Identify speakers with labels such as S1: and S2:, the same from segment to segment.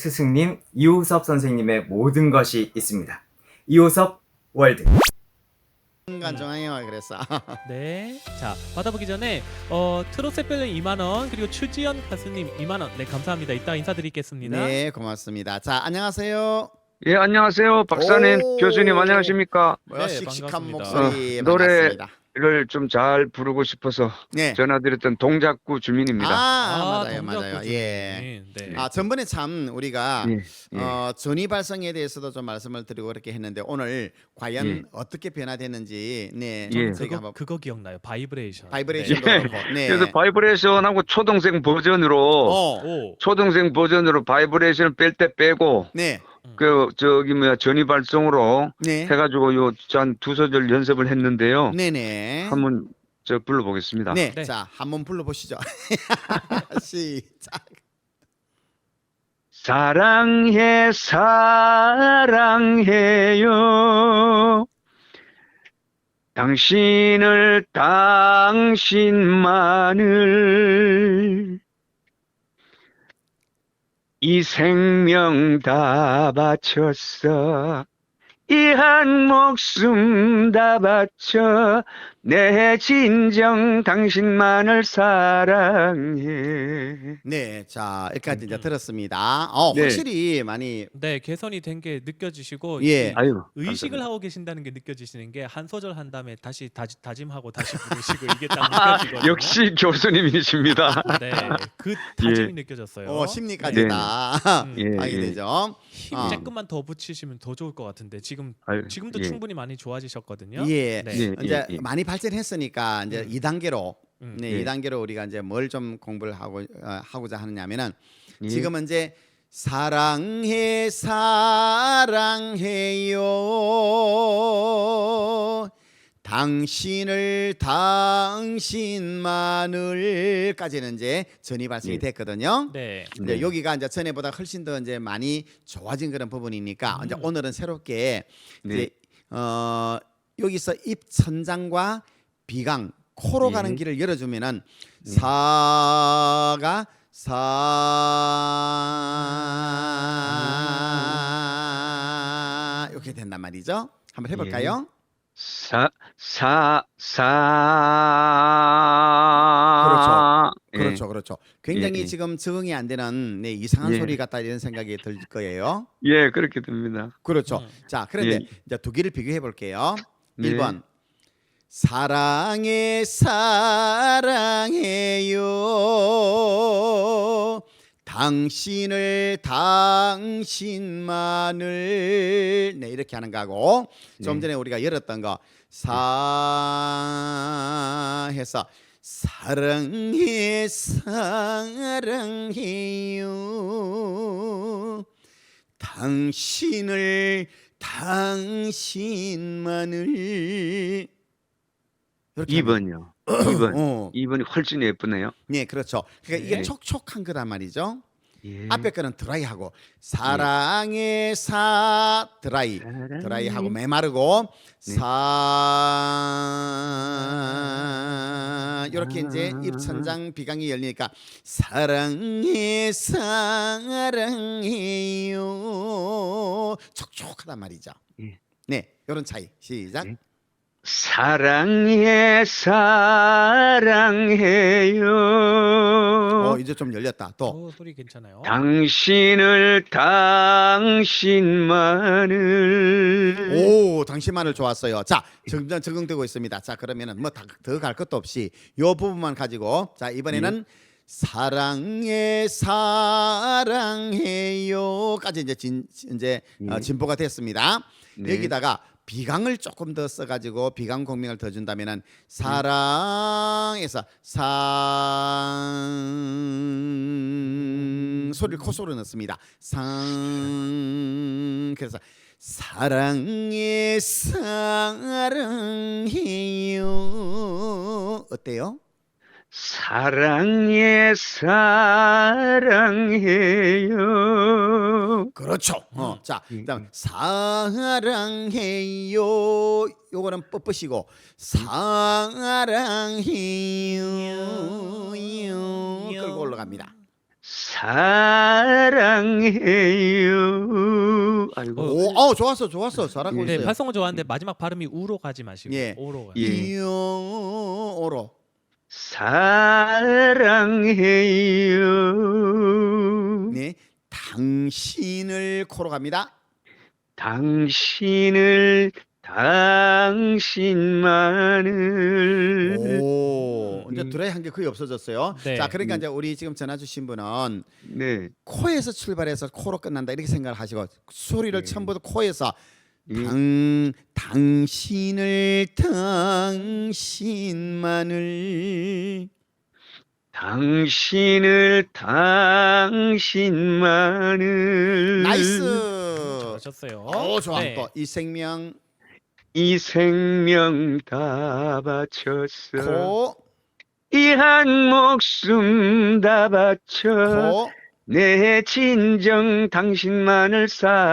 S1: 스승님 이호섭 선생님의 모든 것이 있습니다. 이호섭 월드.
S2: 순간 정황이와 그랬어.
S3: 네. 자, 받아보기 전에 트롯세필은 2만 원, 그리고 추지연 가수님 2만 원. 네, 감사합니다. 이따 인사드리겠습니다.
S2: 네, 고맙습니다. 자, 안녕하세요.
S4: 예, 안녕하세요. 박사님,
S2: 오.
S4: 교수님 안녕하십니까?
S2: 뭐야,
S3: 네,
S2: 씩씩한
S3: 반갑습니다.
S2: 목소리
S4: 노래를
S2: 반갑습니다.
S4: 좀 잘 부르고 싶어서
S2: 네.
S4: 전화드렸던 동작구 주민입니다.
S2: 맞아요,
S3: 동작구
S2: 맞아요.
S3: 주민.
S2: 예.
S3: 네.
S2: 전번에 참 우리가
S4: 예, 예.
S2: 전이 발성에 대해서도 좀 말씀을 드리고 그렇게 했는데 오늘 과연
S4: 예.
S2: 어떻게 변화됐는지 네,
S4: 예.
S2: 저희가 한번
S3: 그거 기억나요? 바이브레이션.
S2: 바이브레이션도
S3: 네.
S2: 그렇고. 네.
S4: 그래서 바이브레이션하고 초동생 버전으로
S3: 오.
S4: 초동생 버전으로 바이브레이션을 뺄 때 빼고
S2: 네.
S4: 전이 발성으로
S2: 네.
S4: 해가지고 한 두 소절 연습을 했는데요.
S2: 네네.
S4: 한번 불러보겠습니다.
S2: 네.
S3: 네.
S2: 자, 한번 불러보시죠. 시작.
S4: 사랑해 사랑해요 당신을 당신만을 이 생명 다 바쳤어 이 한 목숨 다 바쳐 내 진정 당신만을 사랑해.
S2: 네, 자 여기까지 이제 들었습니다.
S4: 네.
S2: 확실히 많이
S3: 네, 개선이 된 게 느껴지시고
S2: 예.
S4: 아유,
S3: 의식을
S4: 감사합니다.
S3: 하고 계신다는 게 느껴지시는 게 한 소절 한 다음에 다시 다짐하고 다시 부르시고 이게 딱 느껴지거든요.
S4: 역시 교수님이십니다.
S3: 네, 그 다짐이 느껴졌어요.
S2: 심리까지
S4: 네.
S2: 다
S4: 예,
S2: 하게
S4: 예.
S2: 되죠.
S3: 힘
S2: 아.
S3: 조금만 더 붙이시면 더 좋을 것 같은데 지금도
S4: 예.
S3: 충분히 많이 좋아지셨거든요.
S2: 예.
S3: 네.
S4: 예.
S2: 이제 많이 발전했으니까 이제 2단계로 네,
S4: 예.
S2: 2단계로 우리가 이제 뭘 좀 공부를 하고자 하느냐면은
S4: 예.
S2: 지금은 이제 사랑해 사랑해요 당신을 당신만을까지는 이제 전이 발성이
S4: 예.
S2: 됐거든요.
S3: 네.
S2: 이제
S4: 네.
S2: 여기가 이제 전에보다 훨씬 더 이제 많이 좋아진 그런 부분이니까 이제 오늘은 새롭게
S4: 네.
S2: 이제 여기서 입 천장과 비강 코로
S4: 예.
S2: 가는 길을 열어주면은 사가 사 이렇게 된단 말이죠. 한번 해볼까요?
S4: 그렇죠.
S2: 그렇죠. 굉장히
S4: 예.
S2: 지금 적응이 안 되는 이상한
S4: 예.
S2: 소리 같다 이런 생각이 들 거예요.
S4: 예, 그렇게 됩니다.
S2: 그렇죠. 자, 그런데
S4: 예.
S2: 이제 두 개를 비교해 볼게요.
S4: 네.
S2: 1번 사랑해 사랑해요 당신을 당신만을 네 이렇게 하는 거하고 좀 전에 우리가 열었던 거 사해서 사랑해 사랑해요 당신을 당신만을 이렇게
S4: 2번이요. 2번.
S2: 어.
S4: 2번이 훨씬 예쁘네요.
S2: 네, 그렇죠. 그러니까 이게
S4: 네.
S2: 촉촉한 거란 말이죠.
S4: 예.
S2: 앞에 거는 드라이하고 사랑의 사 드라이하고 메마르고
S4: 네.
S2: 사 이렇게 이제 입천장 비강이 열리니까 사랑해 사랑해요 촉촉하단 말이죠.
S4: 예.
S2: 네, 이런 차이 시작.
S4: 네. 사랑해 사랑해요
S2: 이제 좀 열렸다. 또
S3: 소리 괜찮아요.
S4: 당신을 당신만을
S2: 오, 당신만을 좋았어요. 자, 점점 적응되고 있습니다. 자, 그러면은 뭐 더 갈 것도 없이 요 부분만 가지고 자, 이번에는 사랑해 사랑해요까지 이제 진보가 됐습니다.
S4: 네.
S2: 여기다가 비강을 조금 더 써가지고 비강 공명을 더 준다면은 사랑에서 상 소리를 콧소리로 넣습니다. 상 그래서 사랑해 사랑해요 어때요?
S4: 사랑해 사랑해요
S2: 그렇죠. 자, 그다음 사랑해요. 요거는 뻣뻣이고 사랑해요. 끌고 올라갑니다.
S4: 사랑해요. 아이고.
S2: 오, 좋았어. 잘하고
S3: 네,
S2: 있어요.
S3: 발성은 좋아하는데 마지막 발음이 우로 가지 마시고
S2: 예.
S3: 오로 가요.
S4: 예.
S2: 이오로.
S4: 사랑해요.
S2: 네, 당신을 코로 갑니다.
S4: 당신만을.
S2: 오, 이제 드라이 한 게 거의 없어졌어요.
S3: 네.
S2: 자, 그러니까 이제 우리 지금 전화 주신 분은
S4: 네.
S2: 코에서 출발해서 코로 끝난다 이렇게 생각을 하시고 소리를
S4: 네.
S2: 처음부터 코에서
S4: 예.
S2: 당신을 당신만을. 나이스.
S3: 잘하셨어요.
S2: 오, 좋아.
S3: 네.
S2: 또 이 생명
S4: 이 생명 다 바쳤어.
S2: 코,
S4: 이 한 목숨 다 바쳐.
S2: 코.
S4: 내 진정 당신만을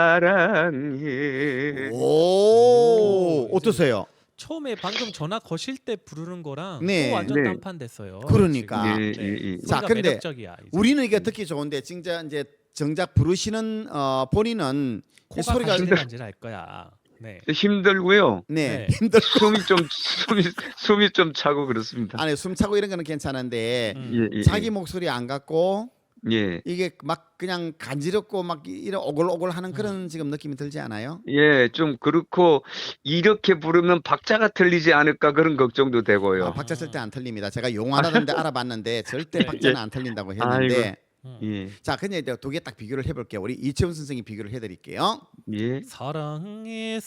S4: 사랑해.
S2: 오, 어떠세요?
S3: 처음에 방금 전화 거실 때 부르는 거랑
S2: 네.
S3: 또 완전
S4: 네.
S3: 딴판 됐어요.
S2: 그러니까.
S3: 지금.
S4: 예,
S3: 네.
S4: 예, 예.
S2: 자,
S3: 소리가
S2: 근데
S3: 매력적이야. 이제.
S2: 우리는 이게 듣기 좋은데 진짜 이제 정작 부르시는 본인은 이
S3: 코가
S2: 소리가
S3: 간질간질 할 거야. 네.
S4: 힘들고요.
S2: 네,
S3: 네.
S2: 힘들.
S4: 숨이 좀 차고 그렇습니다.
S2: 안에 숨 차고 이런 거는 괜찮은데
S3: 음.
S4: 예, 예,
S2: 자기 목소리 안 갖고
S4: 예.
S2: 이게 막 그냥 간지럽고 막 이런 오글오글하는 그런 지금 느낌이 들지 않아요?
S4: 예, 좀 그렇고 이렇게 부르면 박자가 틀리지 않을까 그런 걱정도 되고요.
S2: 아, 박자 절대 안 틀립니다. 제가 용하다는데 알아봤는데 절대 박자는 안 틀린다고 했는데.
S4: 예,
S2: 자, 근데 이제 두 개 딱 비교를 해볼게요. 우리 이채훈 선생님 비교를 해드릴게요.
S4: 예.
S3: 사랑해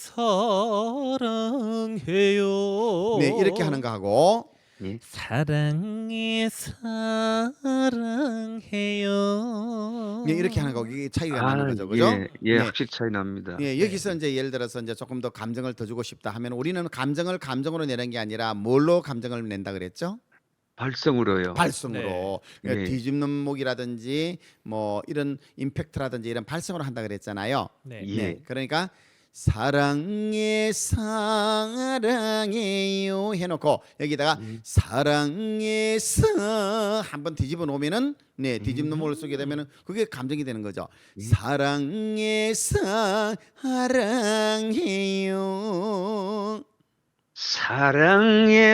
S3: 사랑해요.
S2: 네, 이렇게 하는 거 하고
S3: 사랑해 사랑해요.
S2: 네, 이렇게 하는 거 이게 차이가 나는 거죠, 그죠?
S4: 예, 예,
S2: 네.
S4: 확실히 차이 납니다.
S2: 예, 여기서 이제 예를 들어서 이제 조금 더 감정을 더 주고 싶다 하면 우리는 감정을 감정으로 내는 게 아니라 뭘로 감정을 낸다 그랬죠?
S4: 발성으로요.
S2: 발성으로. 그러니까
S4: 네.
S2: 뒤집는 목이라든지 뭐 이런 임팩트라든지 이런 발성으로 한다 그랬잖아요.
S3: 네.
S4: 예.
S2: 네, 그러니까 사랑해 사랑해요 해놓고 여기다가 사랑해 사 한번 뒤집어 놓으면은 네 뒤집는 목을 쓰게 되면은 그게 감정이 되는 거죠. 사랑해 사랑해요.
S4: 사랑해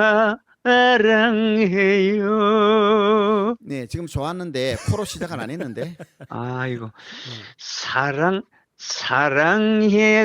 S4: 사랑해요.
S2: 네, 지금 좋았는데 코로 시작을 안 했는데.
S4: 아이고. 사랑해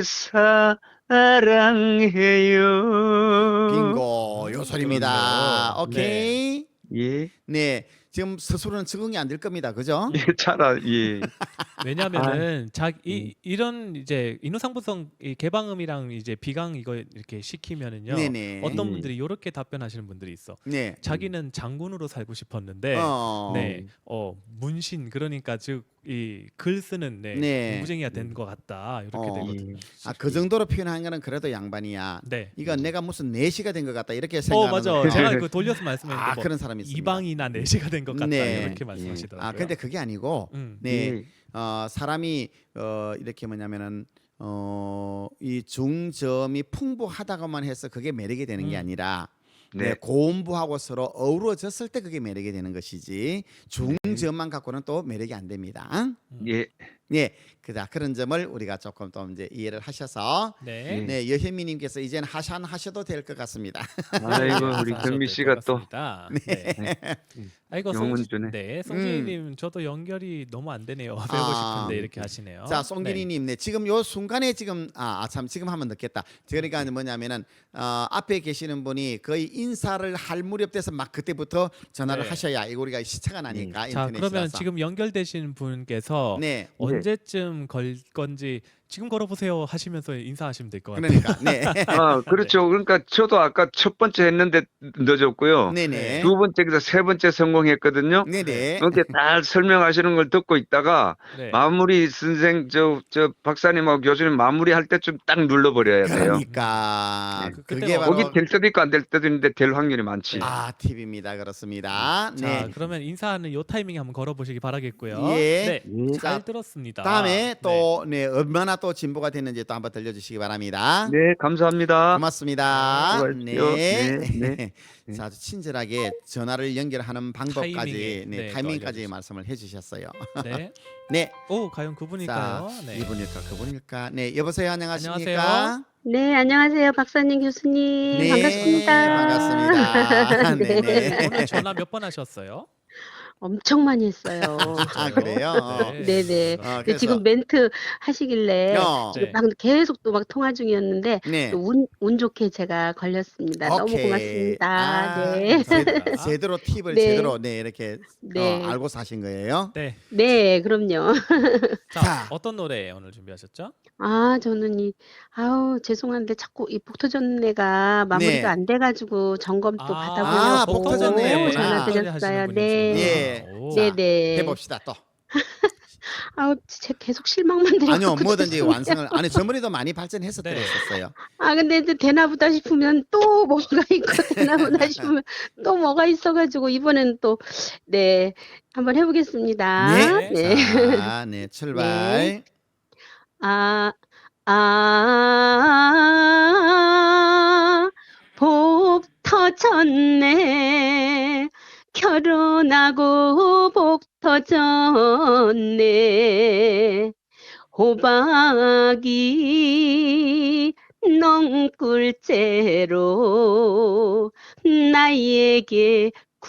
S4: 사랑해요.
S2: 빙고 요 소리입니다.
S3: 그렇네요.
S2: 오케이.
S4: 예.
S2: 네, 지금 스스로는 적응이 안 될 겁니다. 그죠?
S4: 예, 예.
S3: 왜냐하면은 이런 이제 인후상부성 이 개방음이랑 이제 비강 이거 이렇게 시키면은요.
S2: 네네.
S3: 어떤 분들이 이렇게 답변하시는 분들이 있어.
S2: 네.
S3: 자기는 장군으로 살고 싶었는데 네, 문신 그러니까 즉 이 글 쓰는
S2: 네.
S3: 공부쟁이가 된 것 같다 이렇게
S2: 어.
S3: 되거든요.
S2: 아, 그 정도로 표현한 거는 그래도 양반이야.
S3: 네.
S2: 이거 내가 무슨 내시가 된 것 같다 이렇게 생각하는
S3: 맞아.
S2: 거.
S3: 제가 그 돌려서 말씀했는데
S2: 아,
S3: 뭐
S2: 그런 사람이 있습니다.
S3: 이방이나 내시가 된 것 같다
S2: 네.
S3: 이렇게 말씀하시더라고요.
S2: 아, 근데 그게 아니고 네.
S4: 예.
S2: 사람이 이렇게 뭐냐면은 이 중점이 풍부하다고만 해서 그게 매력이 되는 게 아니라 네, 고음부하고 서로 어우러졌을 때 그게 매력이 되는 것이지 중점만 갖고는 또 매력이 안 됩니다.
S4: 예.
S2: 네, 그런 점을 우리가 조금 또 이제 이해를 하셔서
S3: 네.
S2: 네, 여현미님께서 이제는 하산하셔도 될 것 같습니다.
S4: 아이고, 우리 경미 씨가 또
S3: 네. 아이고
S4: 영혼주네.
S3: 송진이님 저도 연결이 너무 안 되네요. 배우고
S2: 아.
S3: 싶은데 이렇게 하시네요.
S2: 자, 송진희님, 네, 지금 요 순간에 지금 참 지금 하면 늦겠다. 그러니까 뭐냐면은 앞에 계시는 분이 거의 인사를 할 무렵 돼서 막 그때부터 전화를
S3: 네.
S2: 하셔야 이거 우리가 시차가 나니까
S3: 자
S2: 인터넷이라서.
S3: 그러면 지금 연결되신 분께서
S2: 네,
S3: 언제쯤 걸 건지 지금 걸어보세요 하시면서 인사하시면 될 것 같아요.
S2: 그러니까 네,
S4: 그렇죠. 그러니까 저도 아까 첫 번째 했는데 늦었고요.
S2: 네네,
S4: 두 번째에서 세 번째 성공했거든요.
S2: 네네.
S4: 이렇게 다 설명하시는 걸 듣고 있다가
S3: 네.
S4: 마무리 선생 저 박사님하고 교수님 마무리할 때쯤 딱 눌러버려야 돼요.
S2: 그러니까
S3: 네.
S2: 그게
S3: 그때가
S2: 바로
S4: 거기 될 때도 있고 안 될 때도 있는데 될 확률이 많지.
S2: 팁입니다. 그렇습니다.
S3: 자
S2: 네,
S3: 그러면 인사하는 요 타이밍에 한번 걸어보시기 바라겠고요.
S2: 예.
S3: 네.
S4: 예.
S3: 잘
S2: 자,
S3: 들었습니다. 좋습니다.
S2: 다음에 또 네, 얼마나 또 진보가 됐는지 또 한번 들려주시기 바랍니다.
S4: 네, 감사합니다.
S2: 고맙습니다.
S4: 수고하십시오.
S2: 네.
S4: 네.
S2: 자, 아주 친절하게 전화를 연결하는 방법까지,
S3: 타이밍에,
S2: 네,
S3: 네, 또
S2: 타이밍까지
S3: 알려주시죠.
S2: 말씀을 해주셨어요.
S3: 네.
S2: 네.
S3: 오, 과연 그분일까요?
S2: 자,
S3: 네.
S2: 이분일까 그분일까? 네, 여보세요. 안녕하십니까?
S3: 안녕하세요.
S5: 네, 안녕하세요. 박사님, 교수님.
S2: 네,
S5: 반갑습니다.
S2: 반갑습니다.
S5: 네.
S2: 네네.
S3: 오늘 전화 몇 번 하셨어요?
S5: 엄청 많이 했어요.
S2: 아, 그래요?
S5: 네네. 근데
S2: 그래서
S5: 지금 멘트 하시길래 지금
S3: 네.
S5: 막 계속 또 막 통화 중이었는데
S2: 네.
S5: 또 운 좋게 제가 걸렸습니다. 너무
S2: 오케이.
S5: 고맙습니다.
S2: 아,
S5: 네.
S3: 감사합니다.
S2: 제대로 팁을
S5: 네.
S2: 제대로 네 이렇게
S5: 네.
S2: 알고 사신 거예요.
S3: 네.
S5: 네, 그럼요.
S3: 자,
S2: 자.
S3: 어떤 노래 오늘 준비하셨죠?
S5: 아, 저는 아우, 죄송한데 자꾸 이 복토전내가 마무리가
S2: 네.
S5: 안 돼가지고 점검 또
S2: 아,
S5: 받아보려고
S2: 복토전내였구나.
S5: 전화드렸어요. 네.
S2: 예.
S5: 네네.
S2: 해봅시다 또.
S5: 아우, 진짜 계속 실망만 드려.
S2: 아니요, 뭐든지 완성을. 아니, 전번에도 많이 발전해서
S3: 네.
S2: 들었었어요.
S5: 아, 근데 이제 되나 보다 싶으면 또 뭐가 있고 되나 보다 싶으면 또 뭐가 있어가지고 이번엔 또 네, 한번 해보겠습니다.
S2: 네.
S5: 네.
S2: 자, 네, 출발.
S5: 복 터졌네. 결혼하고 복 터졌네. 호박이 넝꿀째로 나에게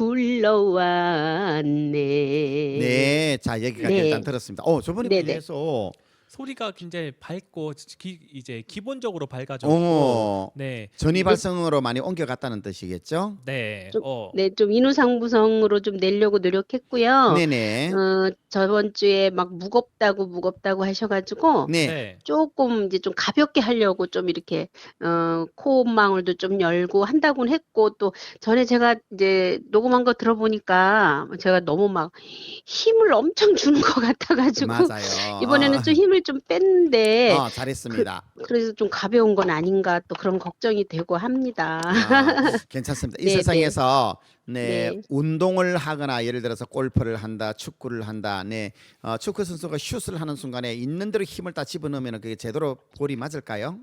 S5: 굴러왔네.
S2: 네, 자 여기까지
S5: 네.
S2: 일단 들었습니다. 저번에
S5: 네네.
S2: 비해서
S3: 소리가 굉장히 밝고 이제 기본적으로 밝아졌고
S2: 어,
S3: 네.
S2: 전위 발성으로 많이 옮겨갔다는 뜻이겠죠?
S3: 네.
S5: 좀, 네, 좀 인후상부성으로 좀 내려고 노력했고요.
S2: 네네.
S5: 저번 주에 막 무겁다고 하셔가지고
S2: 네.
S3: 네.
S5: 조금 이제 좀 가볍게 하려고 좀 이렇게 콧망울도 좀 열고 한다고는 했고, 또 전에 제가 이제 녹음한 거 들어보니까 제가 너무 막 힘을 엄청 주는 것 같아가지고
S2: 맞아요.
S5: 이번에는 좀 힘을 좀 뺐는데
S2: 잘했습니다.
S5: 그래서 좀 가벼운 건 아닌가 또 그런 걱정이 되고 합니다.
S2: 괜찮습니다. 이
S5: 네,
S2: 세상에서
S5: 네.
S2: 운동을 하거나 예를 들어서 골프를 한다, 축구를 한다. 네, 축구 선수가 슛을 하는 순간에 있는 대로 힘을 다 집어넣으면 그게 제대로 볼이 맞을까요?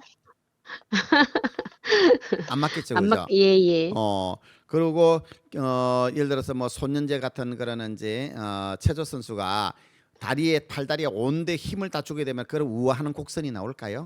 S2: 안 맞겠죠, 그죠?
S5: 예.
S2: 그리고 예를 들어서 뭐 손연재 같은 그런 이제 체조 선수가 팔다리에 온데 힘을 다 주게 되면 그런 우아하는 곡선이 나올까요?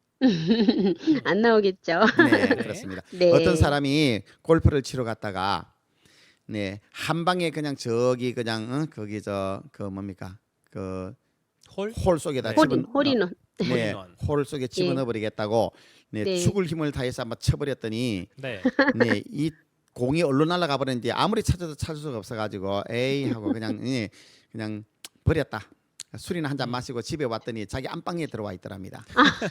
S5: 안 나오겠죠.
S2: 네, 그렇습니다.
S5: 네.
S2: 어떤 사람이 골프를 치러 갔다가 네, 한 방에 그냥 저기 그냥 거기 그 뭡니까? 그 홀 속에다
S3: 네.
S5: 홀인원.
S2: 네,
S3: 홀인원.
S2: 홀 속에 집어넣어 버리겠다고 네,
S5: 네.
S2: 죽을 힘을 다해서 한번 쳐버렸더니
S3: 네.
S2: 네, 이 공이 얼로 날아가 버렸는데 아무리 찾아도 찾을 수가 없어가지고 에이 하고 그냥 그냥 버렸다. 술이나 한 잔 마시고 집에 왔더니 자기 안방에 들어와 있더랍니다.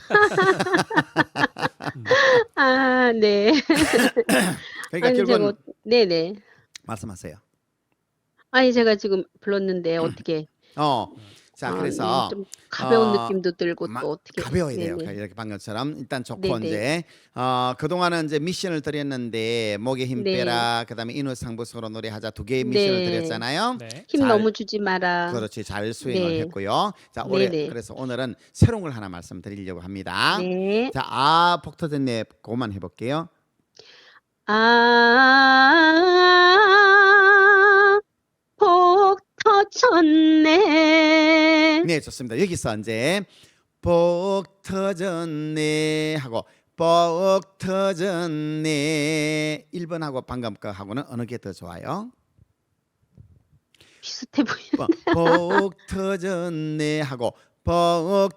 S5: 아, 네.
S2: 그러니까
S5: 아니,
S2: 결국은
S5: 네네.
S2: 말씀하세요.
S5: 아니, 제가 지금 불렀는데 어떻게?
S2: 자 그래서
S5: 좀 가벼운
S2: 어,
S5: 느낌도 들고 또 어떻게?
S2: 가벼워야 돼요.
S5: 네네.
S2: 이렇게 방금처럼 일단 좋고
S5: 네네.
S2: 이제 그동안은 이제 미션을 드렸는데 목에 힘
S5: 네.
S2: 빼라. 그다음에 인후상부성으로 노래하자 두 개의 미션을
S5: 네.
S2: 드렸잖아요.
S3: 네.
S5: 힘
S2: 잘-
S5: 너무 주지 마라.
S2: 그렇지 잘 수행을
S5: 네.
S2: 했고요. 자 올해
S5: 네네.
S2: 그래서 오늘은 새로운 걸 하나 말씀드리려고 합니다.
S5: 네.
S2: 자 폭터졌네 그만 해볼게요.
S5: 복 터졌네.
S2: 네 좋습니다. 여기서 이제 복 터졌네 하고 복 터졌네 1번하고 방금 거하고는 어느 게 더 좋아요?
S5: 비슷해 보여.
S2: 복 터졌네 하고 복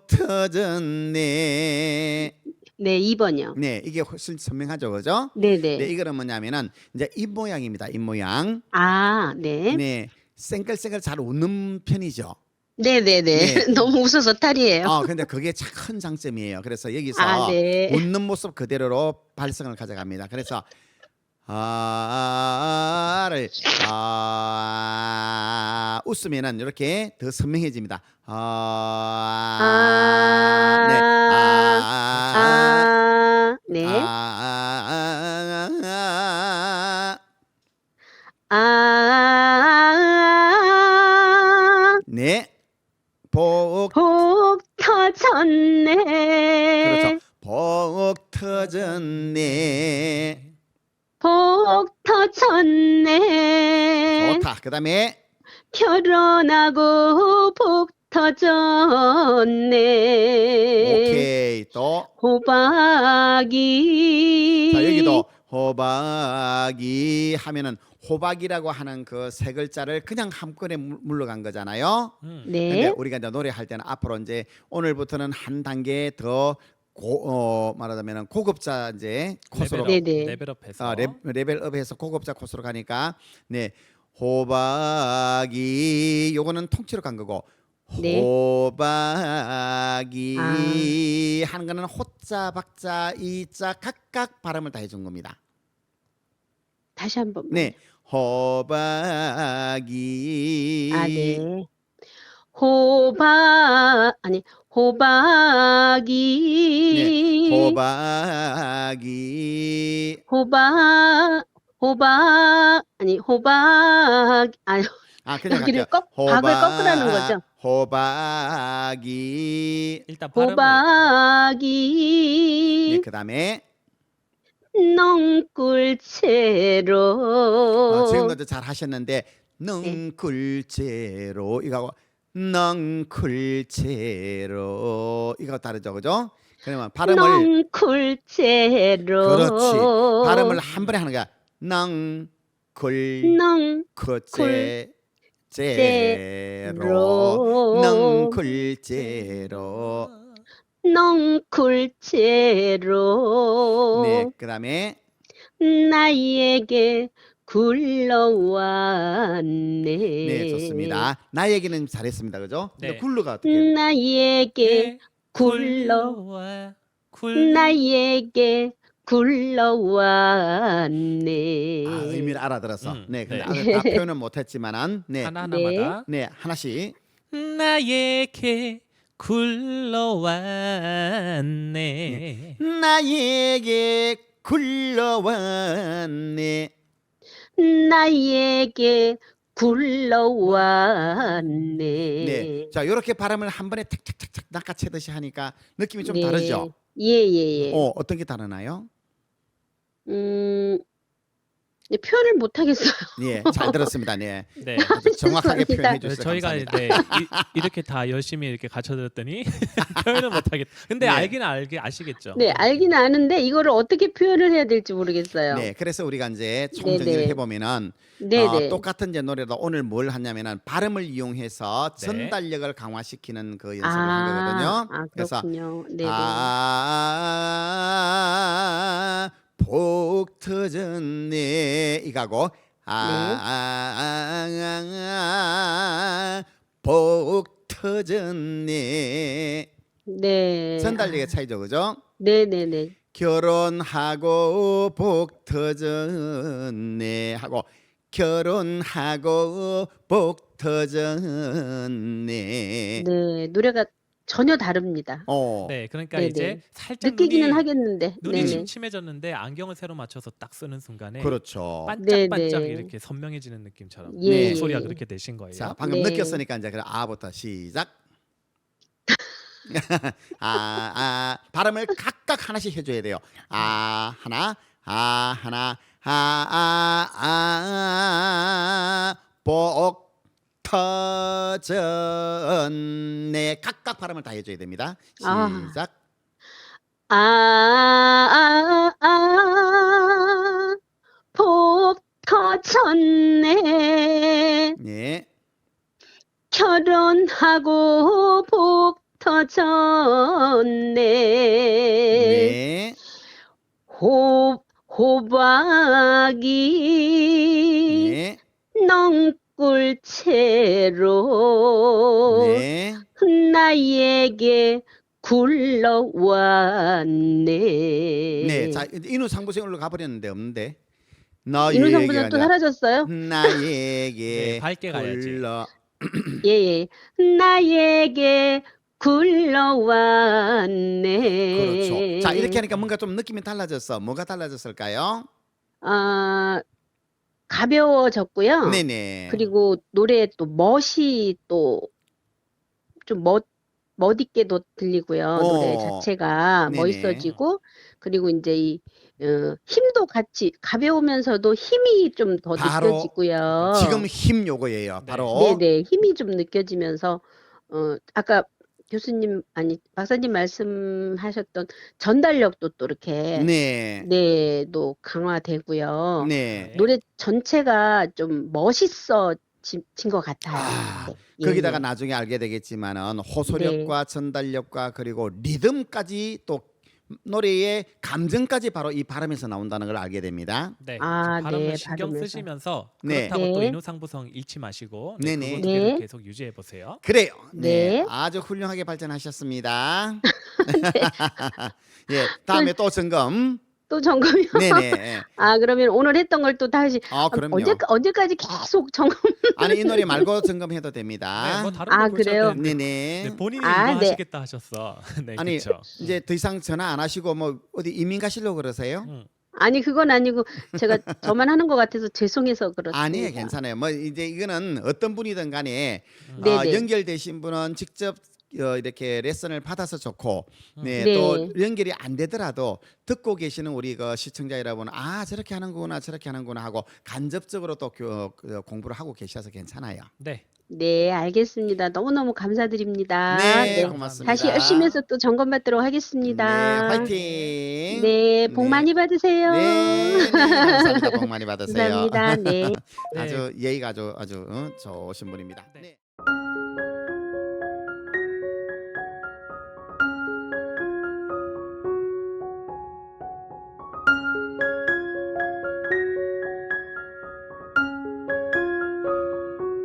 S2: 터졌네.
S5: 네, 2번이요.
S2: 네 이게 훨씬 선명하죠, 그죠?
S5: 네네.
S2: 네 이거는 뭐냐면은 이제 입 모양입니다. 입 모양.
S5: 아, 네.
S2: 네 쌩글쌩글 잘 웃는 편이죠.
S5: 네네네.
S2: 네.
S5: 너무 웃어서 탈이에요.
S2: 근데 그게 참 큰 장점이에요. 그래서 여기서
S5: 아, 네.
S2: 웃는 모습 그대로로 발성을 가져갑니다. 그래서 웃으면은 이렇게 더 선명해집니다.
S5: 네.
S2: 네. 복
S5: 터졌네.
S2: 그렇죠. 복 터졌네.
S5: 복 터졌네.
S2: 좋다. 그다음에
S5: 결혼하고 복 터졌네.
S2: 오케이. 또
S5: 호박이.
S2: 자, 여기도 호박이 하면은 호박이라고 하는 그 세 글자를 그냥 한꺼번에 물러간 거잖아요. 근데
S5: 네.
S2: 우리가 이제 노래할 때는 앞으로 이제 오늘부터는 한 단계 더 말하자면은 고급자 이제 코스로
S5: 네네.
S3: 레벨업해서
S2: 레벨업해서 고급자 코스로 가니까 네 호박이 요거는 통째로 간 거고
S5: 네.
S2: 호박이 하는 거는 호자 박자 이자 각각 발음을 다 해준 겁니다.
S5: 다시 한번.
S2: 네 호박이
S5: 네. 호박이.
S2: 네 호박이
S5: 호박.
S2: 그냥
S5: 여기를
S2: 갈게요.
S5: 박을 거꾸로 하는 거죠.
S2: 호박이
S3: 일단 발음을
S2: 네
S5: 호박이
S2: 그다음에
S5: 넝굴채로.
S2: 지금까지 잘 하셨는데 넝굴채로 이거하고 넝굴채로 이거 다르죠, 그죠? 그러면 발음을
S5: 넝굴채로.
S2: 그렇지 발음을 한 번에 하는 거야. 넝굴채로 넝굴채로
S5: 넝굴채로.
S2: 네 그다음에
S5: 나에게 굴러왔네.
S2: 네 좋습니다. 나에게는 잘했습니다, 그죠? 근데
S3: 네.
S2: 굴러가 어떻게?
S5: 나에게
S3: 굴러와
S5: 나에게 굴러왔네.
S2: 의미를 알아들었어. 네, 근데
S3: 네.
S2: 다 표현은 못했지만은
S3: 하나하나마다
S2: 네 하나씩
S3: 나에게 굴러왔네.
S2: 나에게 굴러왔네.
S5: 나에게 굴러왔네.
S2: 네, 자 이렇게 발음을 한 번에 탁탁탁탁 낚아채듯이 하니까 느낌이 좀
S5: 네.
S2: 다르죠?
S5: 예.
S2: 어떤 게 다르나요?
S5: 네, 표현을 못 하겠어요.
S2: 예, 잘 들었습니다. 네,
S3: 네.
S2: 아주 정확하게
S5: 죄송합니다.
S2: 표현해 주셔서
S3: 저희가
S2: 감사합니다.
S3: 이렇게 다 열심히 이렇게 갖춰드렸더니 표현을 못하겠다. 근데
S2: 네.
S3: 알긴 아시겠죠.
S5: 네, 알긴 아는데 이거를 어떻게 표현을 해야 될지 모르겠어요.
S2: 네, 그래서 우리가 이제 총정리를
S5: 네네.
S2: 해보면은
S5: 네네.
S2: 똑같은 이제 노래도 오늘 뭘 하냐면은 발음을 이용해서
S3: 네.
S2: 전달력을 강화시키는 그 연습을 한 거거든요. 그래서
S5: 그렇군요. 네네.
S2: 복 터졌네 이거고 복 터졌네
S5: 네.
S2: 전달력의 차이죠, 그죠?
S5: 네네네.
S2: 결혼하고 복 터졌네 하고 결혼하고 복 터졌네.
S5: 네, 노래가 전혀 다릅니다.
S3: 네, 그러니까
S5: 네네.
S3: 이제 살짝
S5: 느끼기는 하겠는데.
S3: 눈이
S5: 네네.
S3: 침침해졌는데 안경을 새로 맞춰서 딱 쓰는 순간에
S2: 그렇죠.
S3: 반짝반짝
S5: 네네.
S3: 이렇게 선명해지는 느낌처럼
S5: 예,
S3: 목소리가
S5: 예.
S3: 그렇게 되신 거예요.
S2: 자, 방금
S5: 네.
S2: 느꼈으니까 이제 그럼 아부터 시작. 발음을 각각 하나씩 해줘야 돼요. 하나, 복 터졌네. 각각 발음을 다 해줘야 됩니다. 시작.
S5: 복 터졌네.
S2: 네,
S5: 결혼하고 복 터졌네.
S2: 네,
S5: 호박이
S2: 네,
S5: 넝굴채로
S2: 네.
S5: 나에게 굴러왔네.
S2: 네, 자 인후상부생으로 가버렸는데 없는데.
S5: 인후상부는 또 사라졌어요?
S2: 나에게
S3: 네, 밝게 가야지.
S2: 굴러
S5: 예. 나에게 굴러왔네.
S2: 그렇죠. 자 이렇게 하니까 뭔가 좀 느낌이 달라졌어. 뭐가 달라졌을까요?
S5: 가벼워졌고요.
S2: 네네.
S5: 그리고 노래에 또 멋이 또 좀 멋있게도 들리고요. 노래 자체가
S2: 네네.
S5: 멋있어지고 그리고 이제 이 힘도 같이 가벼우면서도 힘이 좀 더
S2: 바로
S5: 느껴지고요.
S2: 지금 힘 요거예요.
S3: 네.
S2: 바로
S5: 네네 힘이 좀 느껴지면서 아까 교수님 아니 박사님 말씀하셨던 전달력도 또 이렇게
S2: 네.
S5: 또 강화되고요.
S2: 네.
S5: 노래 전체가 좀 멋있어진 것 같아요.
S2: 아,
S5: 네.
S2: 거기다가
S5: 예.
S2: 나중에 알게 되겠지만은 호소력과 전달력과 그리고 리듬까지 또 노래의 감정까지 바로 이 발음에서 나온다는 걸 알게 됩니다.
S3: 네.
S5: 아,
S3: 발음을
S5: 네,
S3: 신경
S5: 발음에서.
S3: 쓰시면서
S2: 네.
S3: 그렇다고 또
S5: 네.
S3: 인후상부성 잃지 마시고 네,
S2: 네네.
S3: 그거 두 개를
S5: 네.
S3: 계속 유지해 보세요.
S2: 그래요. 네.
S5: 네.
S2: 아주 훌륭하게 발전하셨습니다. 예, 다음에 또 점검.
S5: 또 점검이요?
S2: 네네.
S5: 아, 그러면 오늘 했던 걸 또 다시
S2: 그럼요.
S5: 언제까지 계속 점검?
S2: 아니 이 노래 말고 점검해도 됩니다.
S3: 네, 뭐 다른
S5: 아,
S3: 거 보셔도
S5: 그래요?
S3: 되는데
S2: 네네.
S3: 네, 본인이
S5: 아,
S3: 이거
S5: 네.
S3: 하시겠다 하셨어. 네,
S2: 아니
S3: 그렇죠.
S2: 이제 더 이상 전화 안 하시고 뭐 어디 이민 가시려고 그러세요?
S5: 아니, 그건 아니고 제가 저만 하는 것 같아서 죄송해서 그렇습니다.
S2: 아니에요, 괜찮아요. 뭐 이제 이거는 어떤 분이든 간에
S5: 네네.
S2: 연결되신 분은 직접 이렇게 레슨을 받아서 좋고, 네,
S5: 네.
S2: 또 연결이 안 되더라도 듣고 계시는 우리 그 시청자 여러분은 저렇게 하는구나, 저렇게 하는구나 하고 간접적으로 또 공부를 하고 계셔서 괜찮아요.
S3: 네.
S5: 네, 알겠습니다. 너무너무 감사드립니다.
S2: 네, 고맙습니다.
S5: 다시 열심히 해서 또 점검받도록 하겠습니다.
S2: 네, 화이팅.
S5: 네, 복
S2: 네.
S5: 많이 받으세요.
S2: 네, 감사합니다. 복 많이 받으세요.
S5: 감사합니다. 네.
S3: 네.
S2: 아주 예의가 아주 좋으신 분입니다.
S3: 네.
S2: 네.